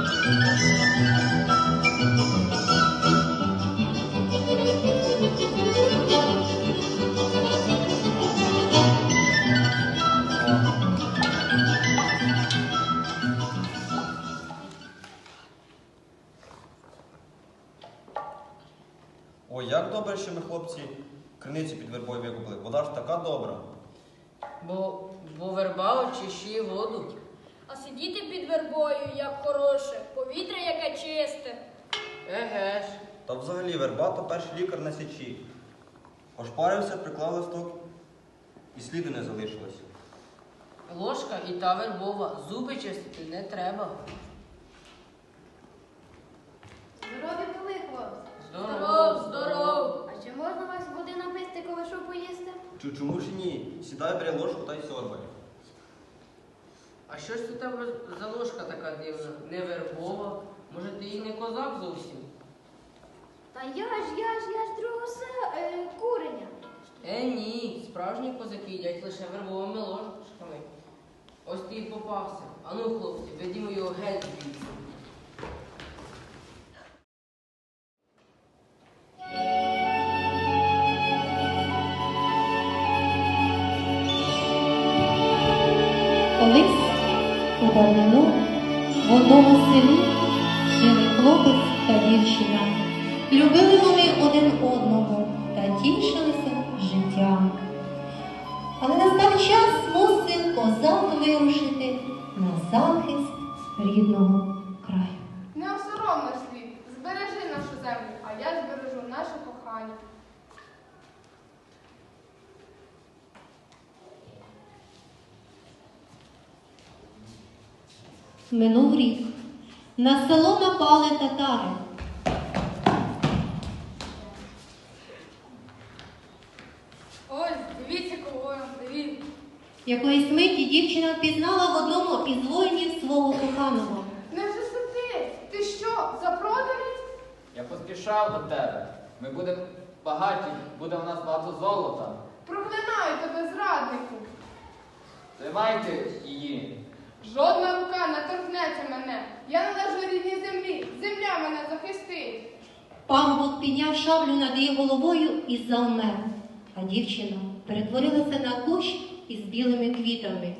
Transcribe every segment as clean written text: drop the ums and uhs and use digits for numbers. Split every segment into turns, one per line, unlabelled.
Ой, як добре, що ми, хлопці, криницю під вербою викупили. Вода ж така добра.
Бо верба очищує воду.
А сидіти під вербою, як хороше, повітря яке чисте.
Еге ж.
Та взагалі верба то перший лікар на січі. Ошпарився, приклав листок і сліду не залишилось.
Ложка і та вербова. Зуби чистити не треба.
Здоров'я були, хлопці.
Здоров, здоров.
А чи можна вас води написти, коли що поїсти?
Чому ж ні? Сідай, бери ложку та й сьорбай.
А що ж це тебе за ложка така дивна? Не вербова? Може, ти і не козак зовсім?
Та я ж другого куреня.
Ні, справжні козаки їдять лише вербовими ложками. Ось ти і попався. Ану, хлопці, ведімо його геть звідси.
Колись у давнину в одному селі жили хлопець та дівчина. Любили вони один одного та тішилися життям. Але настав час мусив козак вирушити на захист рідного краю.
Не осором наш світ, збережи нашу землю, а я збережу наше кохання.
Минув рік. На село напали татари.
Ось, дивіться, кого я привів.
Якоїсь миті дівчина впізнала в одному із воїнів свого коханого.
Невже це ти? Ти що, запроданець?
Я поспішав до тебе. Ми будемо багаті, буде у нас багато золота.
Проклинаю тебе, зраднику.
Тримайте її.
Жодна рука не торкнеться мене. Я належу рідній землі. Земля мене захистить.
Парубок підняв шаблю над її головою і завмер, а дівчина перетворилася на кущ із білими квітами.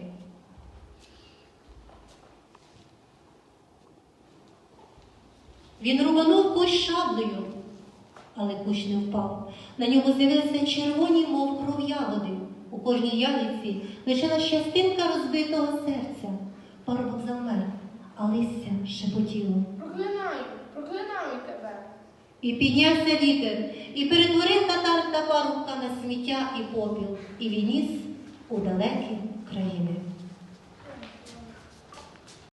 Він рубанув кущ шаблею, але кущ не впав. На ньому з'явилися червоні, мов кров ягоди. У кожній ягідці лишилась частинка розбитого серця. Парубок завмер, а листя шепотіло.
Проклинаю тебе.
І піднявся вітер, і перетворив татар та парубка на сміття і попіл, і відніс у далекі країни.